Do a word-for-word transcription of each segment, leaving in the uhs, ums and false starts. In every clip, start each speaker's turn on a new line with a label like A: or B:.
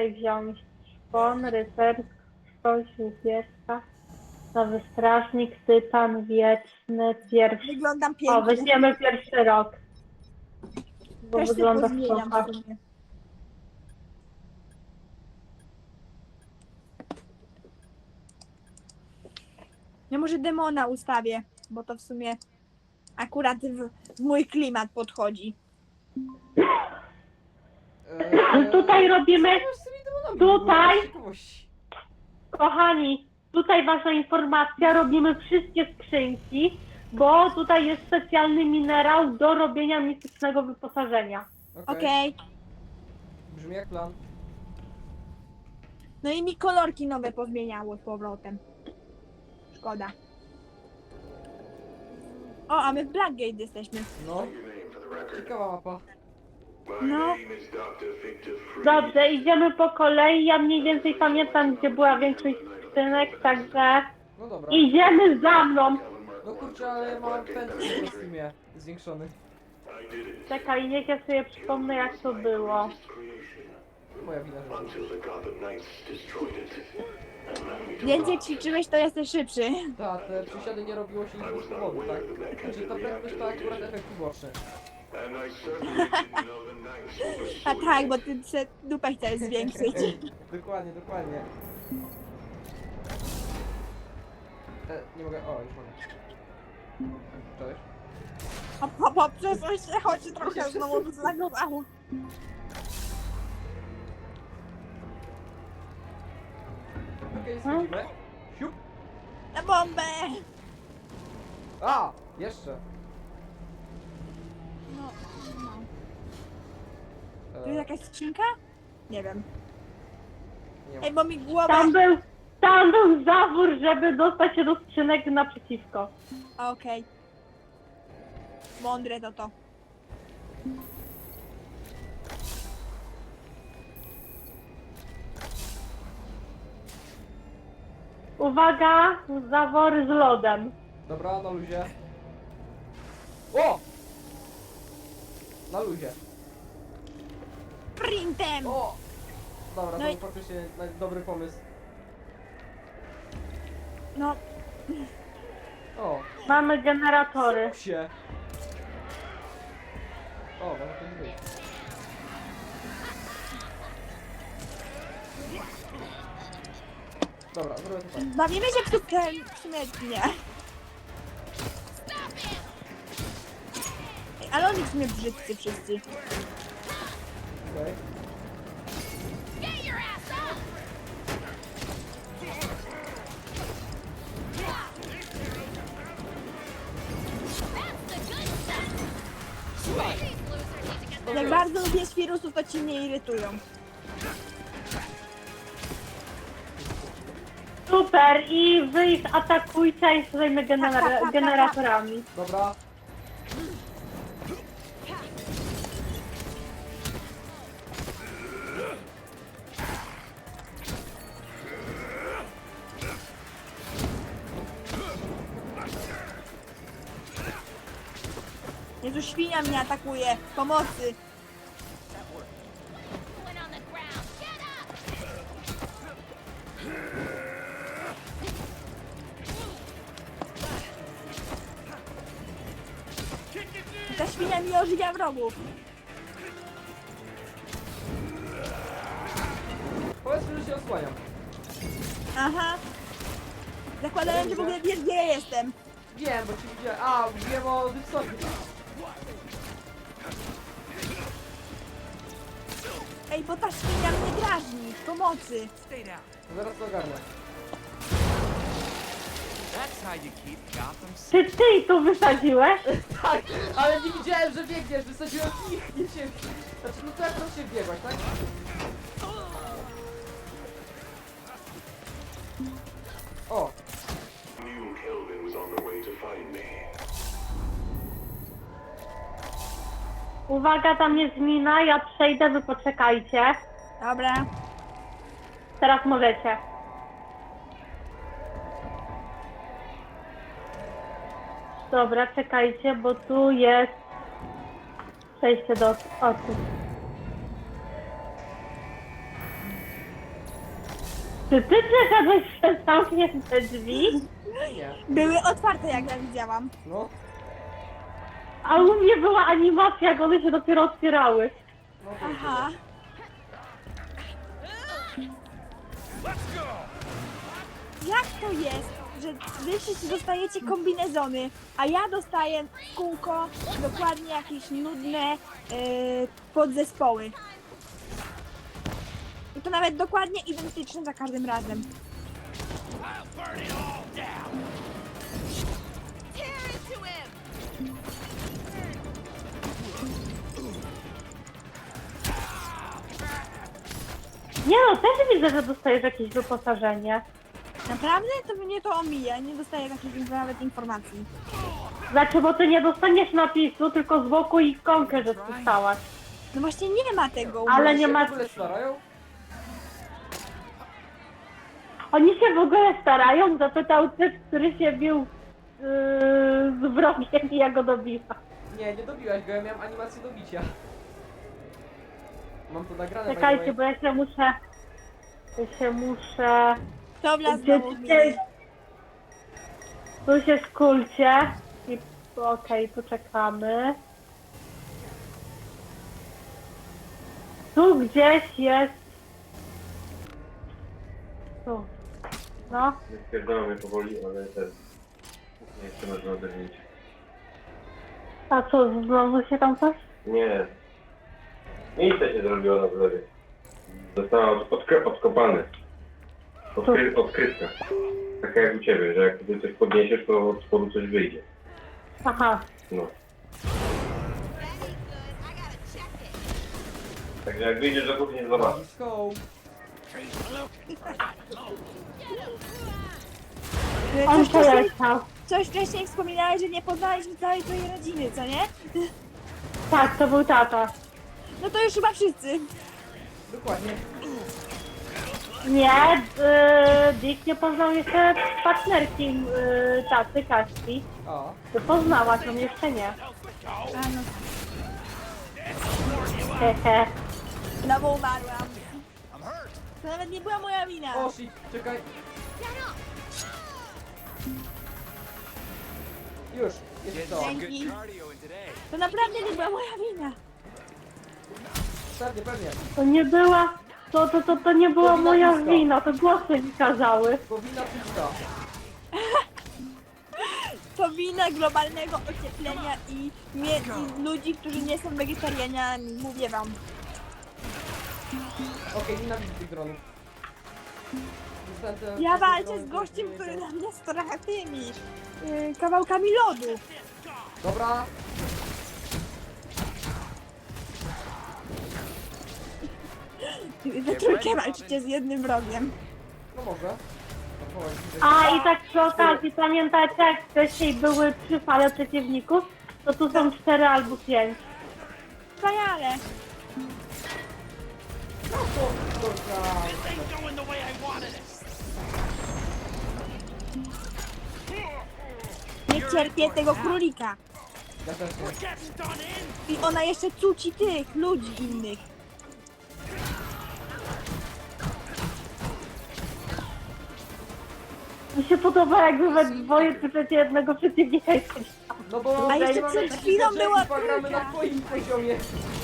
A: tutaj wziąć? Szpon, rycerstwo, ślubierska, nowy strażnik, tytan, wieczny, pierwszy.
B: Wyglądam
A: O,
B: pięknie.
A: weźmiemy pierwszy rok, bo
B: Też się
A: wygląda
B: pozmieniam
A: spoko.
B: w sumie. Ja może demona ustawię, bo to w sumie akurat w, w mój klimat podchodzi.
C: Eee,
A: Tutaj robimy,
C: co masz z tymi demonami w ogóle?
A: tutaj.
C: Z ciekawości.
A: kochani, tutaj ważna informacja, robimy wszystkie skrzynki, bo tutaj jest specjalny minerał do robienia mistycznego wyposażenia.
C: Okej.
B: Okej.
C: Brzmi jak plan.
B: No i mi kolorki nowe pozmieniało z powrotem. Szkoda. O, a my w Blackgate jesteśmy.
C: No. Ciekawa mapa.
B: No,
A: Dobrze, idziemy po kolei, ja mniej więcej pamiętam, gdzie była większość skrzynek, także
C: No dobra.
A: idziemy za mną.
C: No kurczę, ale ja mam pęd w kostiumie zwiększony.
A: Czekaj, niech ja sobie przypomnę, jak to było.
C: Moja wina, że...
B: więcej ćwiczyłeś, to jesteś szybszy.
C: Tak, te przysiady nie robiło się nic z powodu, tak? Znaczy ta prędkość to akurat efekt uboczny.
B: A tak, bo ty se dupę chcesz zwiększyć.
C: Dokładnie, dokładnie. E, nie mogę... O, już mogę. Cześć.
B: Hop, hop, hop, przesuń się, chodź trochę znowu zlagowało.
C: Okej, schodzimy. Siup.
B: Na bombę!
C: A! Jeszcze.
B: No, no. Tu
C: E,
B: jest jakaś skrzynka? Nie wiem.
C: nie ma.
B: Ej, bo mi głowa...
A: Tam był, tam był zawór, żeby dostać się do skrzynek naprzeciwko.
B: Okej. Mądre to to.
A: Uwaga, zawory z lodem.
C: Dobra, na luzie. O! Na luzie.
B: Printem!
C: O! Dobra,
B: No
C: to
B: i-
C: był faktycznie na- dobry pomysł.
B: No,
C: O!
A: Mamy generatory.
C: Się! O, może to nie być. Dobra, zrobię to tak.
B: bawimy się w tutkę śmietnie. Ej, ale oni w sumie brzydcy wszyscy.
C: Okej.
B: Jak bardzo lubię świrusów, to ci mnie irytują.
A: Super, i wy ich atakujcie, a ja się zajmę genera- generatorami.
C: Dobra.
B: Jezu, świnia mnie atakuje. Pomocy. Ta świnia mi ożywia wrogów.
C: Powiedzmy, że się osłaniam.
B: Aha. Zakładałem, że w ogóle wiesz, gdzie ja jestem.
C: Wiem, bo ci widziałem. A, wiem o Dipsonie.
B: Ej, bo ta świnia mnie drażni. Pomocy.
C: Zaraz to ogarnę.
D: That's how you keep Gotham
A: Czy ty to wysadziłeś?
C: Tak, ale nie widziałem, że biegniesz, wysadziłem ich, nie cię. Znaczy, no to jak to się biegłaś, tak? O,
E: Knew Kelvin was on the way to find me.
A: Uwaga, tam jest mina, ja przejdę, wy poczekajcie.
B: Dobra.
A: Teraz możecie. Dobra, czekajcie, bo tu jest przejście do oczu. Czy ty przeszedłeś przez zamknięte drzwi?
C: Nie.
B: Były otwarte, jak ja widziałam.
C: No.
A: A u mnie była animacja, jak one się dopiero otwierały.
C: No to
B: Aha. Jak to jest, że wy wszyscy dostajecie kombinezony, a ja dostaję w kółko dokładnie jakieś nudne yy, podzespoły. I to nawet dokładnie identyczne za każdym razem.
A: Nie no, też widzę, że dostajesz jakieś wyposażenie.
B: Naprawdę? To mnie to omija, nie dostaję takich nawet informacji.
A: Znaczy, bo ty nie dostaniesz napisu, tylko z boku ikonkę, że dostałaś.
B: No właśnie nie ma tego. u
A: Ale
B: mnie.
A: nie ma-
C: w ogóle starają?
A: Oni się w ogóle starają, zapytał typ, który się bił yy, z wrogiem i ja go dobiła.
C: Nie, nie dobiłaś go, ja miałem animację do bicia. Mam to nagrane. by the
A: Czekajcie,
C: way.
A: bo ja się muszę... Ja się muszę...
B: To wlazł
A: Gdzie
B: znowu w
A: ty-
B: mnie.
A: Tu się skulcie. I okej, poczekamy. Tu gdzieś jest... Tu. No.
F: Spierdolą mnie powoli, ale ten... Nie chcę można oderwać.
A: A co, znowu się tam coś?
F: Nie. Miejsce się zrobiło na zlewie. Została od, odk- odkopane. Odkry- odkryte. Tak jak u ciebie, że jak ty coś podniesiesz, to od spodu coś wyjdzie.
A: Aha.
F: No. Także jak wyjdziesz do kuchni, zobacz.
C: Let's go.
A: On
B: Coś wcześniej,
A: poleciał.
B: coś wcześniej wspominałeś, że nie poznaliśmy całej twojej rodziny, co nie?
A: Tak, to był tata.
B: No to już chyba wszyscy.
C: Dokładnie.
A: Nie, yy, Dick nie poznał jeszcze partnerki yy, taty, Kaśki.
C: A.
A: Ty poznałaś, on jeszcze nie.
B: A no,
A: Hehe.
B: znowu umarłam. To nawet nie była moja wina.
C: O shit, czekaj. Już, jest to.
B: Dzięki.
D: Cardio in today.
B: To naprawdę nie była moja wina.
C: Pewnie, pewnie.
A: To nie była, to, to, to, to nie była
C: To wina
A: moja
C: Diska.
A: wina, to głosy mi kazały.
C: Powinna pizza.
B: To wina globalnego ocieplenia i, mie- i ludzi, którzy nie są wegetarianami, mówię wam.
C: Okej, nienawidzę tych dronów. Niestety,
B: Ja
C: te
B: walczę
C: drony
B: z gościem,
C: nie
B: który
C: są-
B: na mnie stracha tymi yy, kawałkami lodu.
C: Dobra.
B: We trójkę walczycie z jednym wrogiem.
C: No może. No, powiem ci, że-
A: A i tak przy okazji, pamiętacie jak wcześniej były trzy fale przeciwników? To tu są cztery albo pięć.
B: Wspaniale.
C: No to, to, to,
B: Nie cierpię tego królika.
C: ja też nie.
B: I ona jeszcze cuci tych ludzi innych.
A: Mi się podoba jakby we dwoje przeciwko jednego przeciwnika i
C: No bo
B: A jeszcze
C: mamy
B: przed
C: taki
B: chwilą
C: gadżet,
B: była
C: chyba gramy na
B: trójka.
C: twoim poziomie.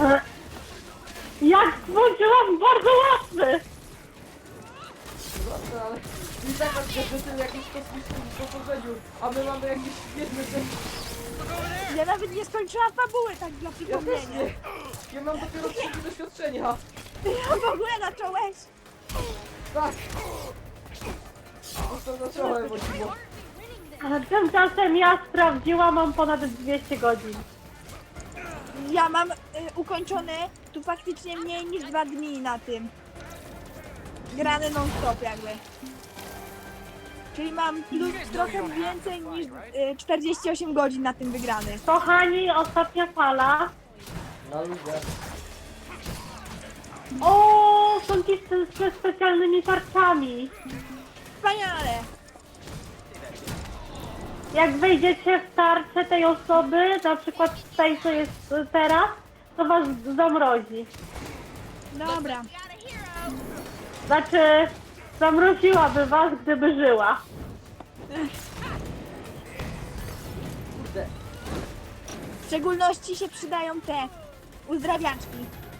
A: Jak włączyłam bardzo łatwy!
C: Dobra, ale i tak masz gadżety jakieś kosmiczne wyposażeniu, a my mamy jakieś świetne rzeczy.
B: Ja nawet nie skończyłam fabuły, tak dla
C: Ja też
B: przypomnienia.
C: nie. Ja mam dopiero trzy doświadczenia.
B: Ty w ogóle zacząłeś.
C: Tak. No to zacząłem, bo dziwo.
A: A tymczasem ja sprawdziłam, mam ponad dwieście godzin.
B: Ja mam y, ukończone tu faktycznie mniej niż dwa dni na tym. Grane non-stop jakby. Czyli mam plus trochę więcej niż y, czterdzieści osiem godzin na tym wygrane.
A: Kochani, ostatnia fala.
C: Na ludzie.
A: O, są ci z, ze specjalnymi tarczami.
B: Wspaniale!
A: Jak wejdziecie w tarczę tej osoby, na przykład tej, co jest teraz, to was zamrozi.
B: Dobra.
A: Znaczy, Zamroziłaby was, gdyby żyła.
C: Kurde.
B: W szczególności się przydają te uzdrawiaczki.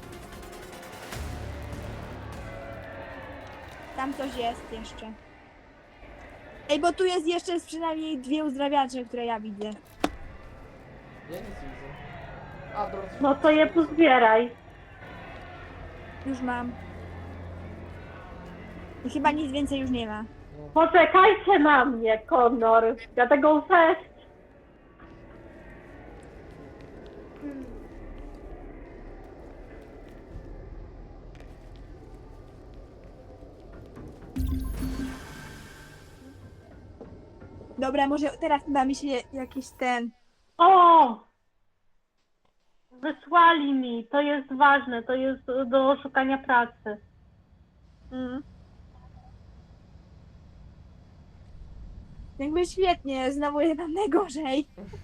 B: Tam coś jest jeszcze. Ej, bo tu jest jeszcze przynajmniej dwie uzdrawiacze, które ja widzę.
C: Ja nic nie widzę. A, dobra.
A: No to je pozbieraj.
B: Już mam. I chyba nic więcej już nie ma.
A: Poczekajcie na mnie, Connor. Ja tego fest.
B: Dobra, może teraz da mi się jakiś ten...
A: O! Wysłali mi. To jest ważne. To jest do szukania pracy.
B: Mm. Jakby świetnie, znowu jest nam najgorzej.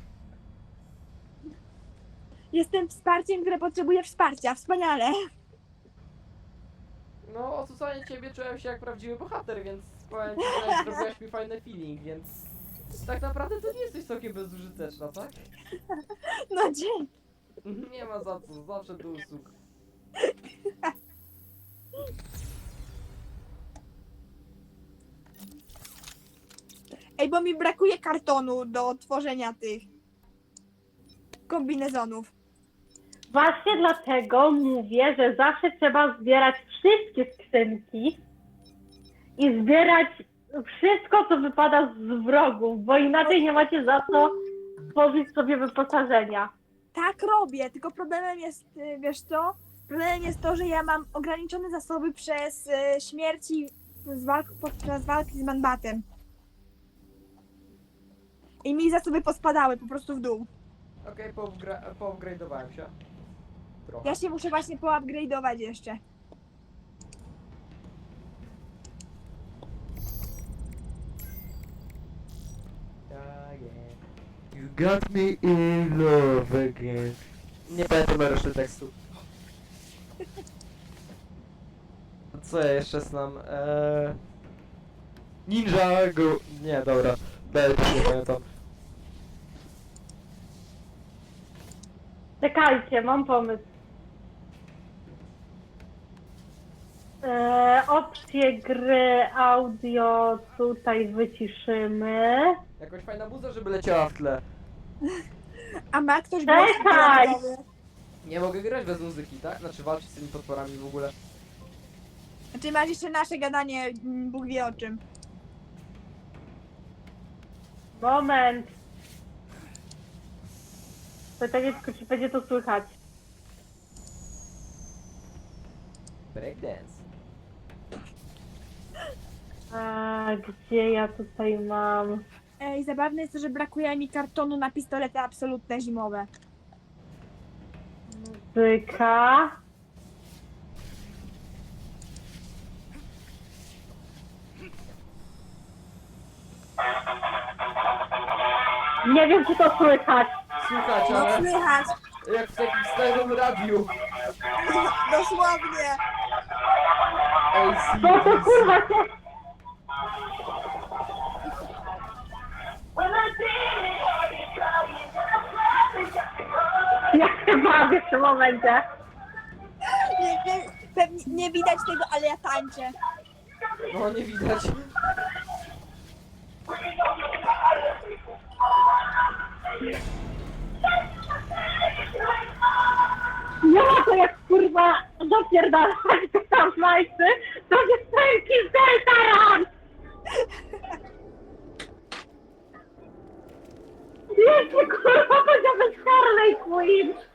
B: Jestem wsparciem, które potrzebuje wsparcia. Wspaniale.
C: No, odsłuchanie ciebie czułem się jak prawdziwy bohater, więc powiem ci, że zrobiłaś mi fajny feeling, więc tak naprawdę to nie jesteś całkiem bezużyteczna, tak?
B: No dzięki.
C: Nie ma za co, zawsze do usług.
B: Ej, bo mi brakuje kartonu do tworzenia tych kombinezonów.
A: Właśnie dlatego mówię, że zawsze trzeba zbierać wszystkie skrzynki i zbierać wszystko, co wypada z wrogów, bo inaczej nie macie za co tworzyć sobie wyposażenia.
B: Tak robię, tylko problemem jest, y, wiesz co? Problemem jest to, że ja mam ograniczone zasoby przez y, śmierci z walk, podczas walki z Manbatem. I mi zasoby pospadały po prostu w dół.
C: Okej, okay, poupgrade'owałem się. Trochę.
B: Ja się muszę właśnie poupgrade'ować jeszcze.
C: Yeah, yeah. You got me in love again. Nie pamiętam reszty tekstu. Co ja jeszcze znam? Eee... Ninja go... Nie, dobra. Będę nie pamiętam.
A: Czekajcie, mam pomysł. E, opcje gry, audio tutaj wyciszymy.
C: Jakoś fajna muza, żeby leciała w tle.
B: A ma ktoś
A: Czekaj!
B: głos dialogowy?
C: Nie mogę grać bez muzyki, tak? Znaczy walczyć z tymi potworami w ogóle.
B: Znaczy masz jeszcze nasze gadanie, mm, Bóg wie o czym.
A: Moment. Pytanie tylko, czy będzie to słychać.
C: Breakdance.
A: A, gdzie ja tutaj mam?
B: Ej, zabawne jest to, że brakuje mi kartonu na pistolety absolutne zimowe.
A: Muzyka. Nie wiem, czy to słychać.
C: Słuchać,
B: No
C: ale
B: słychać,
C: jak w takim starym radiu.
B: dosłownie.
C: Ej,
A: Co to kurwa się... Ja się bawię w tym momencie.
B: Nie, nie, pewnie nie widać tego, ale ja tańczę.
C: No nie widać.
A: Nie ma to jak kurwa dopierdalać do tam majcy, to jest ręki z Deltaran! Jeszcze kurwa powiedziałbym Harley Quinn!